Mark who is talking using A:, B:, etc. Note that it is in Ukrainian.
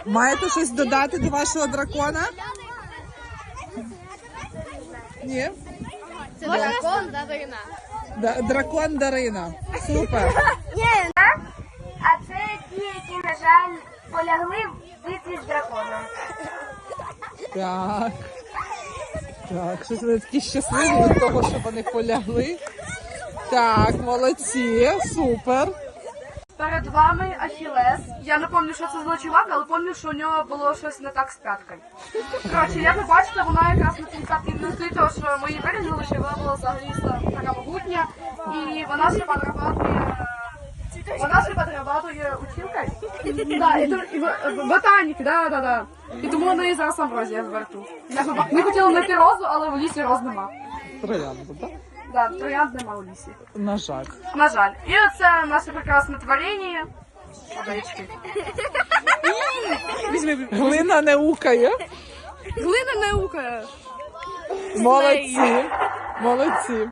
A: Маєте щось додати до вашого дракона? Ні?
B: Це дракон Дарина.
A: Дракон Дарина. Супер.
C: А це ті, які, на жаль, полягли в битві з драконом.
A: Так. Так, щось вони такі щасливі від того, що вони полягли. Так, молодці, супер.
D: Перед вами Ахілес. Я не пам'ятаю, що це за чувак, але пам'ятаю, що у нього було щось не так з п'яткою. Коротше, як ви бачите, вона якраз на цій п'ятці не стоїть, тому що ми її вирізали, що вона була взагалі така могутня. І вона ще подрабатує... Вона ще подрабатує училкою. Да, і ботаніки, да. І тому у неї зараз амброзія в борту. Ми хотіли знайти розу, але в лісі роз нема.
A: Троянду, так?
D: Да, троянд нема у лісі.
A: На жаль.
D: На жаль. І оце наше прекрасне творіння. Водички.
A: Глина не укає.
D: Глина не укає.
A: Молодці. Молодці.